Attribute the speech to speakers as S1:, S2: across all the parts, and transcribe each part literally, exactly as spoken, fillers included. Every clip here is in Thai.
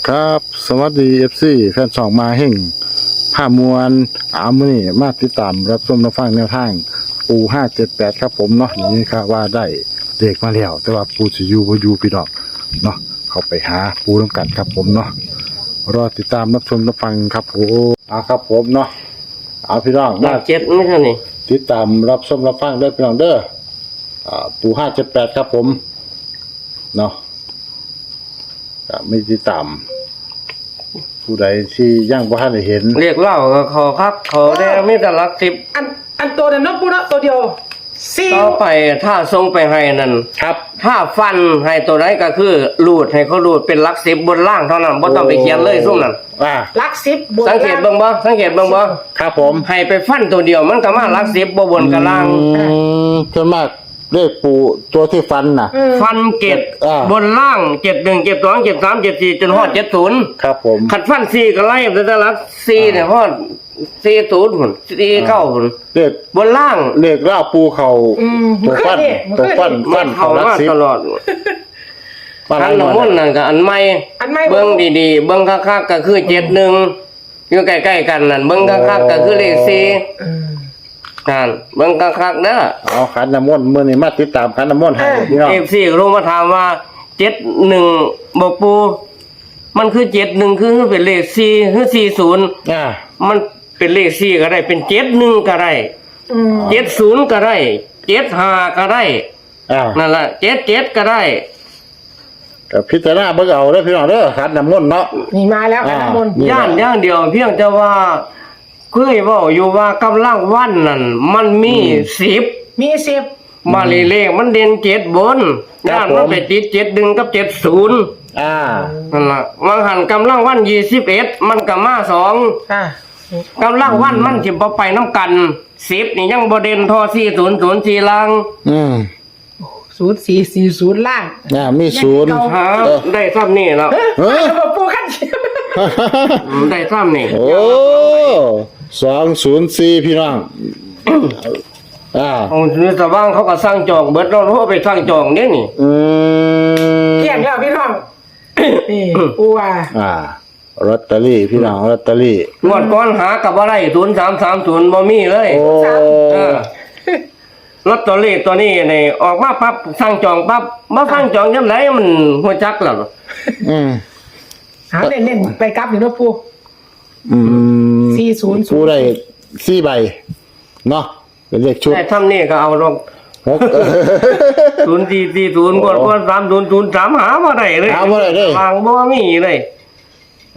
S1: ครับสวัสดี เอฟ ซี แฟนช่องมาเฮ่งผ้ามวลอามือนี่มาติดตามรับชมรับฟังแนวทางปูห้าเจ็ดแปดครับผมเนาะนี่ครับว่าได้เด็กมาแล้วแต่ว่าปูสิอยู่บ่อยู่พี่น้องเนาะเขาไปหาปูน้ำกันครับผมเนาะรอติดตามรับชมรับฟังครับผมเอาครับผมเนาะเอาพี่น้อง
S2: หลั
S1: มาก
S2: เจ็ดไม่ใช่นี่
S1: ติดตามรับชมรับฟังเด้อพี่น้องเด้ออ่าปูห้าเจ็ดแปดครับผมเนาะก็ไม่ติดตามผู้ใดที่ยังบ่ทันได้เห็น
S2: เรียกเล่าก็ขอครับขอได้ไม่แต่หลักสิบ
S3: อันอันตัวนั้นเนาะปูเนาะตัวเดียวสี่
S2: ต่อไปถ้าทรงไปให้นั่น
S1: ครับ
S2: ถ้าฟันให้ตัวไหนก็คือรูดให้เขารูดเป็นหลักสิบบนล่างเท่านั้นบ่ต้องไปเขียนเลยซุ่มนั้น
S1: อ่า
S3: ลักสิบบวก
S2: สังเกตเบิ่งบ่สังเกตเบิ่งบ่
S1: ครับผม
S2: ให้ไปฟันตัวเดียวมันก็มาหลักสิบบ่บนกับล่าง
S1: อืมส่วนมากเลขปูตัวที่ฟันน่ะ
S3: อืม
S2: ฟันเก็บ
S1: อ่า
S2: บนล่างเจ็ดหนึ่งเจ็ดสองเจ็ดสามเจ็ดสี่จนฮอดเจ็ดศูนย์
S1: ครับผม
S2: ขัดฟันสี่ก็ไล่แต่แต่หลักสี่เนี่ยฮอดสี่ศูนย์พุ่นสี่เก้าพุ่น
S1: เลข
S2: บนล่าง
S1: เลขล่าปูเขา
S3: อืม
S1: ตัวฟัน
S3: มัน
S1: ตัว
S3: เคย
S1: ฟัน
S3: เห็น
S1: ฟัน
S2: เข้า
S1: เขารัก
S2: มา
S1: สิบ
S2: ตลอด
S1: ฟัน
S2: อันละมุนนั่นก็อันใหม่
S3: อันไม่
S2: เบิ้งดีๆเบิ้งคักๆก็คือเจ็ดหนึ่งอยู่ใกล้ๆกันนั่นเบิ้งคักๆก็คือเลขสี่
S3: อืม
S2: นั่นเบิ้งคักๆเด้อ
S1: เอาขันน้ำมนต์มื้อนี้มาติดตามขันน้ำมนต์ให้
S3: เออ
S1: พี่น้อง
S2: เอฟซีก็รู้มาถามว่าเจ็ดหนึ่งบอกปูมันคือเจ็ดหนึ่งคือเป็นเลขสี่คือสี่ศูนย์
S1: อ่า
S2: มันเป็นเลขสี่ก็ได้เป็นเจ็ดหนึ่งก็ได้
S3: อืม
S2: เจ็ดศูนย์ก็ได้เจ็ดห้าก็ได้
S1: อ่า
S2: นั่นแหละเจ็ดเจ็ดก็ได้
S1: ก็พิจารณาเบิ่งเอาเด้อพี่น้องเด้อขันน้ำมนต์เนาะ
S3: นี่มาแล้วกันน้ำมนต์
S1: นี่
S2: ย่านอย่างเดียวเพียงแต่ว่าเคยเว่าอยู่ว่ากำลังวันนั่นมันมีสิบ
S3: มีสิบ
S2: มาเลเลขมันเด่นเจ็ดบนย่านมันไปติดเจ็ดดึงกับเจ็ดศูนย์
S1: อ่า
S2: นั่นล่ะวางหันกำลังวันยี่สิบเอ็ดมันกับมาสอง
S3: อ่าก
S2: ำลังวันมันจิบไปน้ำกันสิบนี่ยังบเด่นทอสี่ศูนย์ศูนย์สี่ลัง
S1: อืม
S3: ศูนย์สี่สี่ศูนย์ล่าง
S1: อ่ามีศูนย์
S2: หา
S1: เออ
S2: ได้ซ้ำนี่แล้ว
S1: เฮ้ย
S3: เอาปูขั้นเชียว
S2: ได้ซ้ำนี่
S1: โอ้สองศูนย์สี่พี่น้อง อ่า
S2: ของซื้อสว่างเขาก็สร้างจองเบิดเราเขาไปสร้างจองเนี่ยนี่
S1: อืม
S3: เกลี้ยงแล้วพี่น้องนี่ปูว่า
S1: อ่าลอตเตอรี่พี่น้องลอตเตอรี่
S2: งวดก้อนหากับอะไรศูนย์สามสามศูนย์บ่มีเลย
S1: โอ้
S2: เออลอตเตอรี่ตัวนี้นี่ออกมาปั๊บสั่งจองปั๊บมาสั่งจองยังไงมันหัวจักแล้ว
S1: อืม
S3: หาเน้นๆไปกลับอยู่เนาะปู
S1: อืม
S3: สี่ศูนย์
S1: กูได้สี่ใบเนาะเป็นเลขชุด
S2: แต่ทำนี่ก็เอาลง
S1: หก
S2: ศูนย์สี่สี่ศูนย์กวดกวดสามศูนย์ศูนย์สามหามาได้เลย
S1: หาบ่ได้เลย
S2: วางบ่มีเลย
S1: โอ้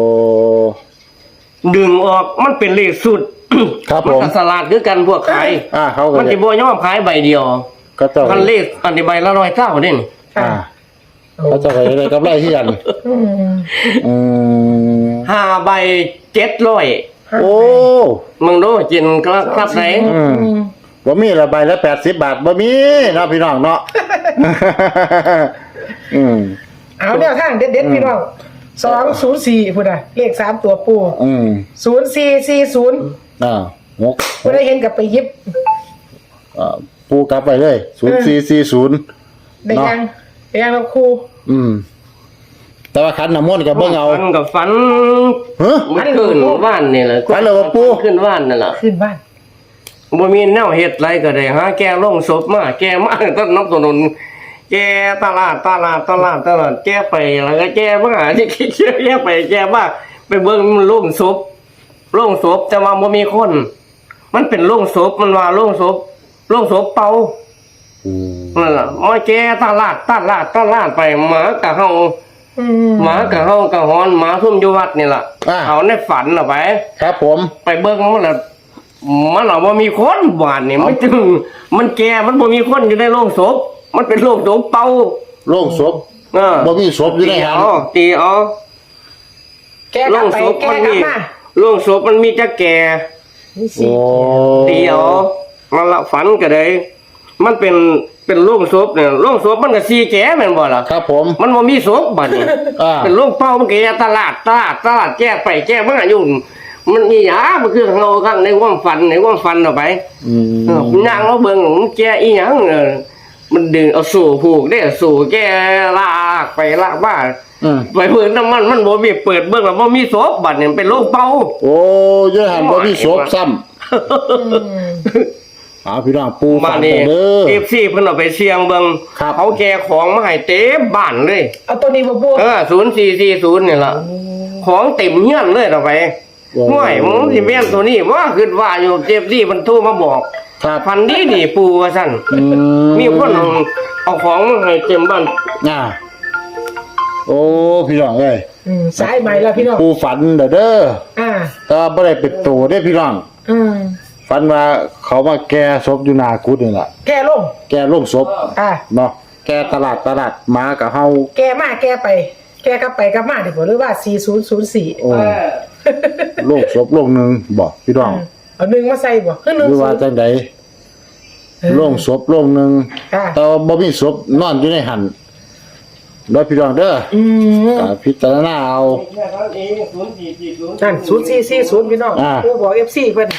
S2: ดึงออกมันเป็นเลขสุด
S1: ครับ
S2: มัน
S1: ผม
S2: ก็สลาดคือกันพวกขาย
S1: อ่าเขาก็
S2: มัน
S1: จะ
S2: จะบ่ยอมขายใบเดียว
S1: ก็ต้อง
S2: คันเลขอันนี้ใบละร้อยเก้าเด่น
S1: อ่าเขาจะไปอะไรกับไรที่กัน
S3: อืม
S1: อืม
S2: ห้าใบเจ็ดร้อย
S1: โอ้
S2: มึงดูจินครับครับไหน
S1: อืมบ่มีละใบละแปดสิบบาทบ่มีเนาะพี่น้องเนาะ อืม
S3: เอาแนวทางเด็ดๆพี่น้องสองศูนย์สี่พูดอะเลขสามตัวปู
S1: อืม
S3: ศูนย์สี่สี่ศูนย์
S1: อ่าหก
S3: พูดได้เห็นกับไปยิบ
S1: อ่าปูกลับไปเลยศูนย์สี่สี่ศูนย์
S3: ได้ยังได้ยังเราครู
S1: อืม แต่ว่าขันน้ำมนต์กับเบิ่งเอา
S2: ฝันกับฝัน
S1: เฮ้ย
S2: มันขึ้นว่านนี่แหละ
S1: ฝันแล้วว่าปู่
S2: ขึ้นว่านนั่นแหละ
S3: ขึ้นบ้าน
S2: บ่มีแนวเฮ็ดไรก็ได้หาแกลงศพมาแกมาต้นน้ำต้นนนแกตลาดตลาดตลาดตลาดแกไปแล้วก็แกมาที่คิดเชื่อแกไปแกมาไปเบิ่งโรงศพโรงศพแต่ว่าบ่มีคน มันเป็นโรงศพมันว่าโรงศพโรงศพเป่า
S1: อืม
S2: นั่นล่ะมาแกตลาดตลาดตลาดไปหมากะเฮา
S3: อืม
S2: หมากะเฮากะฮอนหมาซุ่มอยู่วัดนี่ล่ะ
S1: อ่า
S2: เอาในฝันน่ะไป
S1: ครับผม
S2: ไปเบิ่งมันละมันละบ่มีคนบ้านนี่มันจึงมันแก่มันบ่มีคนอยู่ในโรงศพมันเป็นโรงศพเป่า
S1: โล่งศพ
S2: เออ
S1: บ่มีศพอยู่ใน
S2: ตี
S1: หัน
S2: เอาตีเอา
S3: แกก
S2: โร
S3: ลับ
S2: ง
S3: ไป
S2: ศพ
S3: แก
S2: มัน
S3: กลับ
S2: มี
S3: มา
S2: โรงศพมันมีแต่แก่
S1: โอ้
S2: ตีเอามันละฝันก็ได้มันเป็นเป็นโรงศพเนี่ยโรงศพมันก็สีแก่แม่นบ่ล่ะ
S1: ครับผม
S2: มันบ่มีศพบัดนี้
S1: อ่า
S2: เป็นโรงเป่ามันก็แก่ตลาดตลาดตลาดแก้ไปแก้มาอยู่มันอีหยังมันคือเงาข้างในความฝันในความฝันเอาไป
S1: อืม
S2: เออย่างเราเบิ่งมันแก่อีหยังเออมันดึงเอาสู่ผูกได้สู่แกลากไปลากบ้า
S1: อืม
S2: ไปเพิ่นน้ำมันมันบ่มีเปิดเบิ่งแล้วบ่มีศพบัดเนี่ยเป็นโรคเป่า
S1: โอ้ยายหันบ่มีศพซ้ำ
S3: อืม
S1: เอาพี่น้องปู
S2: มา
S1: ฝัน
S2: นี่
S1: กันเด้อ
S2: เอฟซีเพิ่นเอาไปเสี่ยงเบิ่ง
S1: ครับ
S2: เขาแกของมาให้เต็มบ้านเลย
S3: เอาตัวนี้บ่ปู
S2: เออศูนย์สี่สี่ศูนย์นี่ล่ะของเต็มเฮียนเลยต่อไปห่วยมึงสิแม่นตัวนี้ว่าคิดว่าอยู่เจ็บดีมันโทรมาบอก
S1: ครับ
S2: พันดีนี่ปูว่าซั่น
S1: อื
S2: มีคนเอาเอาของมาให้เต็มบ้าน
S1: อ่าโอ้พี่น้องเอ้ย
S3: อืมสายใหม่แล้วพี่น้อง
S1: ปูฝันเด้อเด้อ
S3: อ่า
S1: แต่ว่าบ่ได้เป็นโตเด้อพี่น้อง
S3: อืม
S1: ฝันว่าเขามาแก่ศพอยู่หน้ากุฏินี่ล่ะ
S3: แก้ลง
S1: แก่โรงศพ
S3: อ่า
S1: เนาะแก่ตลาดตลาดหมากับเฮา
S3: แก้มาแก้ไป แก้กลับไปกลับมาดีกว่าหรือว่าสี่ศูนย์ศูนย์สี่
S1: โอ้โรงศพโรงหนึงบ่พี่น้อง
S3: เอาหนึ่งมาใส่บ่คือห
S1: ห
S3: นึ่ง
S1: รือ
S3: ศู
S1: ว่าน
S3: ย์
S1: จังไดโรงศพโรงหนึง
S3: อ่า
S1: แต่ว่าบ่มีศพนอนอยู่ในหันเด้อพี่น้องเด้อ
S3: อืม
S1: ก็พิจารณาเอา
S3: นั่นศูนย์สี่สี่ศูนย์พี่น้อง
S1: อ่า
S3: ผู้บอกเอฟซีเพิ่น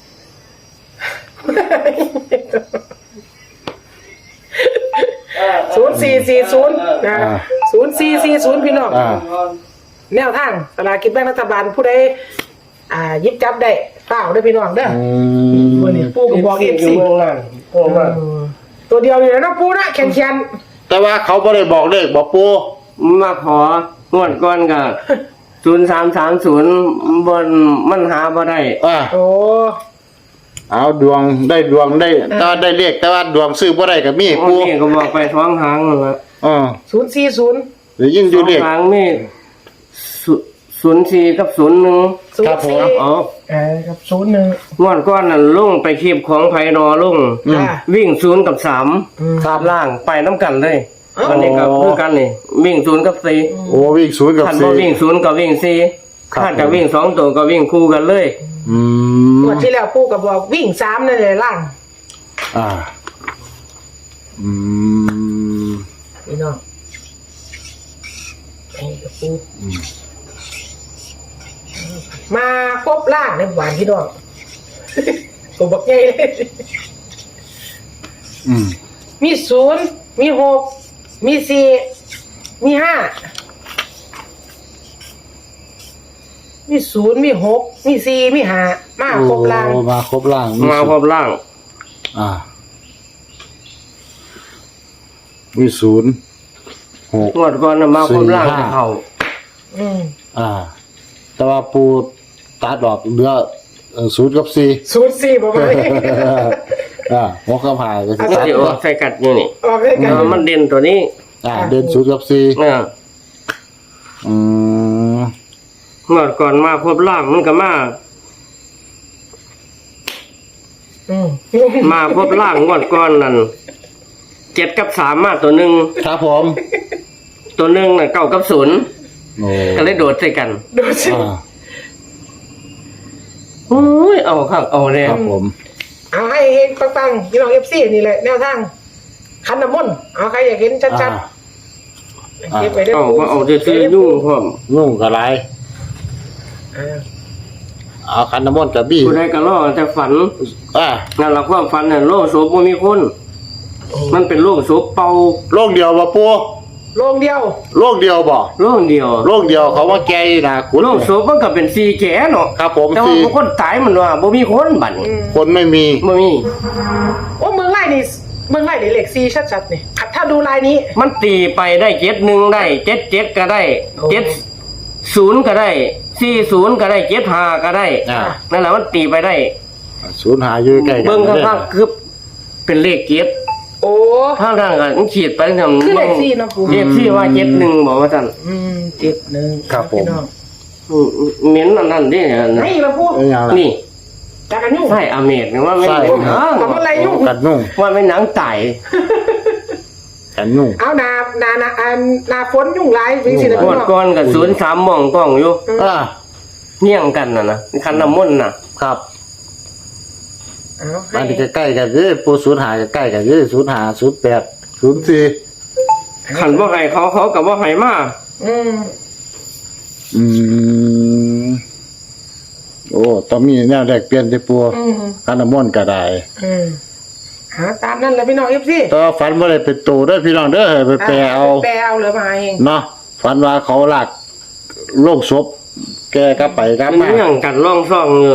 S3: ศูนย์สี่สี่ศูนย์นะศูนย์สี่สี่ศูนย์พี่น้อง
S1: อ่า
S3: แนวทางสลากกินแบ่งรัฐบาลผู้ใดอ่าหยิบจับได้เปล่าได้อพี่น้องเด้อ
S1: อื
S3: วัน
S1: ม
S3: นี้ปู่ก็บอกเอฟ
S2: อยู่
S3: ซี
S2: เมืองนั่นโอ้มา
S3: ตัวเดียวอยู่แล้วเนาะปู่นะแข็งแข็ง
S1: แต่ว่าเขาบ่ได้บอกเลขบอกปู
S2: มาของวดก่อนก็ศูนย์สามสามศูนย์บนมันหาบ่ได้
S1: อ่า
S3: โอ้
S1: เอาดวงได้ดวงได้แต่ว่าได้เลขแต่ว่าดวงซื้อบ่ได้ก็มี
S2: โอ้
S1: ปู
S2: นี่ก็บอกไปท้องทางนั่นละ
S1: อ่า
S3: ศูนย์สี่ศูนย์
S1: หรือยิ่งอ
S2: ท้
S1: ยู่
S2: อง
S1: เลข
S2: ทางนี่ศูนย์สี่กับศูนย์หนึ่ง
S3: ศูน
S1: ครับ
S3: ย์
S1: ผม
S3: สี่
S2: อ๋อ
S3: เออครับศูนย์หนึ่ง
S2: งวดก้อนนั่นลุงไปคีบของไผนอลุง
S1: อืม
S3: อ่า
S2: วิ่งศูนย์กับสาม
S3: อืม
S2: ครับล่างไปน้ำกันเลย
S3: อ๋ออั
S2: อันนี้ก็คือกันนี่วิ่งศูนย์กับสี่
S1: โอ้วิ่งศูนย์กับ
S2: ขัน
S1: สี่
S2: บ่วิ่งศูนย์กับวิ่งสี่
S1: ครับ
S2: ถ้าจะวิ่งสองตัวก็วิ่งคู่กันเลย
S1: อืม
S3: งวดที่แล้วปู่ก็บอกวิ่งสามนั่นเลยล่าง
S1: อ่าอืม
S3: พี่น้องนี่กับปู่มาครบล่างในหวานพี่น้อง ผมบอกไงเลย
S1: อืม
S3: มีศูนย์มีหกมีสี่มีห้ามีศูนย์มีหกมีสี่มีห้ามาครบล่าง
S1: โอ้มาครบล่าง
S2: มาพบล่าง
S1: อ่ามีศูนย์หก
S2: งวดก่อนน่ะมาพบล่าง
S1: สี่ห้า
S2: เขา
S3: อืม
S1: อ่า แต่ว่าปูตัดดอกเหลือเอ่อศูนย์กับสี่
S3: ศูนย์สี่ประมาณนี้
S1: อ่าหัวกระพายก็สิ
S2: มัน
S1: ตัด
S2: จะออกใส่กัดอยู่นี่
S3: ออกเลยกัน
S2: เออมันเด่นตัวนี้
S1: อ่าเดินศูนย์กับสี่
S2: เนี่ย
S1: อืม
S2: งวดก่อนมาพบล่างมันก็มา
S3: อืม
S2: มาพบล่างงวดก่อนนั่นเจ็ดกับสามมาตัวหนึ่ง
S1: ครับผม
S2: ตัวหนึ่งน่ะเก้ากับศูนย์
S1: โอ้
S2: ก็เลยโดดใส่กัน
S3: ดูสิ
S1: อ่า
S2: โอ้ยเอาข้างเอาเลย
S1: ครับผม
S3: เอาให้เห็นปังๆพี่น้องเอฟซีนี่แหละแนวทางคันน้ำมนต์เอาใครอยากเห็นชัด
S1: อ่า
S3: ๆเก็บไปได้
S2: เอาก็เอาจะซื้อยุ่งพร้อม
S1: นุ่งกับไร
S3: อ่า
S1: เอาคันน้ำมนต์กับบี้
S2: ผู้ใดก็รอแต่ฝัน
S1: อ่า
S2: นั่นละความฝันน่ะโลกโสบ่มีคน มันเป็นโลกโสเป่า
S1: โลกเดียวบ่ปู
S3: โรงเดียว
S1: โลกเดียวบ่
S2: โลกเดียว
S1: โลกเดียวเขาว่าแกนี่นะคุณ
S2: โลกโสมันก็เป็นสีแก่เนาะ
S1: ครับผม
S2: แต่ว่า
S1: สี่
S2: บางคนตายมันว่าบ่มีคนบัดนี้
S3: อืม
S1: คนไม่มี
S2: บ่มี
S3: โอ้เมืองไร่นี่เมืองไร่นี่เลขซีชัดๆนี่ถ้าดูลายนี้
S2: มันตีไปได้เจ็ดหนึ่งได้เจ็ดเจ็ดก็ได้
S3: โอ้
S2: เจ็ดศูนย์ก็ได้สี่ศูนย์ก็ได้เจ็ดห้าก็ได้
S1: อ่า
S2: นั่นแหละมันตีไปได้
S1: ศูนย์หาอยู่ใกล้กัน
S2: เบิ่ง
S1: ด้อ
S2: ข้างๆคือเป็นเลขเจ็ด
S3: โอ้
S2: ข้างทางกันขีดไปทำ
S3: คือเลขสี่เนาะปู่
S2: เลขสี่ว่าเจ็ดหนึ่งบอกว่าท่าน
S3: อืมเจ็ดหนึ่ง
S1: ครับผม
S3: พี่น้อง
S2: อืมเหม็นอันนั้นดิ
S3: นี่เราพูด
S1: เอ้ยยังล่ะ
S2: นี่
S3: จากกันยุ่ง
S2: ใช่อเมริกว่าไม่
S1: ใช่
S2: เหม็นเนอะ
S3: ทำอะไรยุ่ง
S1: กันนุ่ง
S2: ว่าไม่หนังไต่
S1: กันนุ่ง
S3: เอานานานาอันนาฝนยุ่งร้ายจริงสินะ
S2: ง
S3: พี่
S2: วด
S3: น้อง
S2: ก้อนกับศูนย์สามมองกล้องอยู่
S1: อ่า
S2: เงี่ยงกันน่ะนะคันน้ำมนต์น่ะ
S1: ครับ
S3: เอาให้
S1: อันนี้ใกล้ๆกันเด้อปูศูนย์หาใกล้ๆกันเด้อศูนย์หาศูนย์แปดศูนย์สี่
S2: ขันว่าให้เขาเขากับว่าให้มา
S3: อืม
S1: อืมโอ้ต้องมีแนวแรกเปลี่ยนที่ปู
S3: อืม
S1: คันน้ำมนต์ก็ได้
S3: อืมหาตามนั่นแหละพี่น้องเอฟซี
S1: แต่ว่าฝันว่าได้เป็นตัวเด้อพี่น้องเด้อให้ไปแปลเอา
S3: แปลเอาเหลือมาเอง
S1: เนาะฝันว่าเขาหลักโลกศพแกก็ไปกลับ
S2: มัน
S1: มา
S2: เรื่องกันร่องซ่องอยู่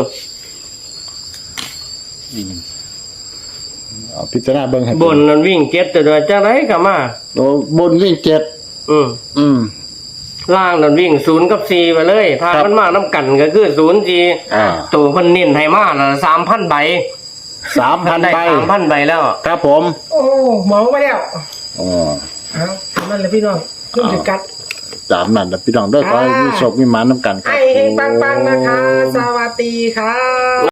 S1: เอาพิจารณาเบิ่งให้
S2: บนนั้นวิ่งเก็ตแต่โดยจังไรก็มา
S1: โอ้บนวิ่งเจ็ด
S2: อืม
S1: อืม
S2: ล่างนั้นวิ่งศูนย์กับสี่ไปเลยถ้า
S1: ครับ
S2: มันมากน้ำกันก็คือศูนย์สี่
S1: อ่า
S2: ตัวเพันเน้นไทยมาละสามพันใบ
S1: สามพัน
S2: ได้
S1: ใบ
S2: สามพันใบแล้ว
S1: ครับผม
S3: โอ้หมองมาแล้ว
S1: อ๋อ
S3: เอาตามนั่นแหละพี่น้องเรื่องจุดกัด
S1: ตามนั้นนะพี่น้องเด้อขอให้มีโชคมีหมาน้ำกันครับ
S3: ไอ้เฮงปังๆนะคะ สวัสดีค่ะ